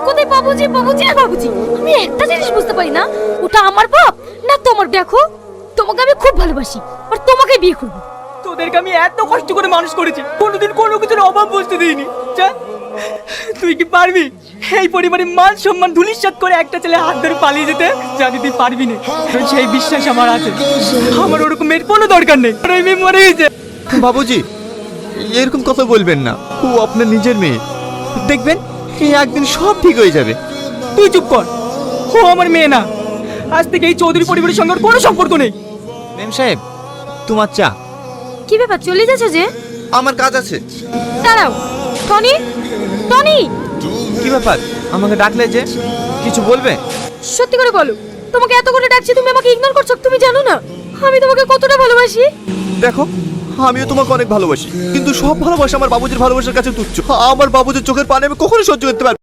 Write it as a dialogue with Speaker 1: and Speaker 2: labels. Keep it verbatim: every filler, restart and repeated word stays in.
Speaker 1: কোথায় বাবুজি বাবুজি আর বাবুজি। আমি একটা জিনিস বুঝতে পারি না, ওটা আমার বাপ না তোমার। দেখো, তোমাকে আমি খুব ভালোবাসি আর তোমাকে বিয়ে করব।
Speaker 2: তোদেরকে আমি এত কষ্ট করে মানুষ করেছি, কোনোদিন কোনো কিছুর অভাব বুঝতে দিইনি। যা, তুই কি পারবি এই পরিবারের মান সম্মান ধুলিস্যাৎ করে একটা ছেলে হাত ধরে পালিয়ে যেতে? জানি তুই পারবি না, কারণ সেই বিশ্বাস আমার আছে। আমার ওরকম মেয়ের কোনো দরকার নেই, আর ওই মেয়ে মরে গেছে।
Speaker 3: বাবুজি, এরকম কথা বলবেন না। ও আপনার নিজের মেয়ে। দেখবেন এই একদিন সব ঠিক হয়ে যাবে।
Speaker 2: তুই চুপ কর, ও আমার মেয়ে না। আজ থেকে এই চৌধুরী পরিবারের সঙ্গে ওর কোনো সম্পর্ক নেই।
Speaker 3: মেম সাহেব, তোমার চা।
Speaker 1: কি ব্যাপার, চলে যাচ্ছে যে?
Speaker 3: আমার কাজ আছে।
Speaker 1: দাঁড়াও, টনি টনি,
Speaker 3: কি ব্যাপার, আমাকে ডাকলে যে? কিছু বলবে?
Speaker 1: সত্যি করে বলো, তোমাকে এত করে ডাকছি, তুমি আমাকে ইগনোর করছো। তুমি জানো না আমি তোমাকে কতটা ভালোবাসি?
Speaker 3: দেখো, আমিও তোমাকে অনেক ভালোবাসি, কিন্তু সব ভালোবাসা আমার বাবুজির ভালোবাসার কাছে তুচ্ছ। আমার বাবুজির চোখের পানি আমি কখনো সহ্য করতে পারবো না।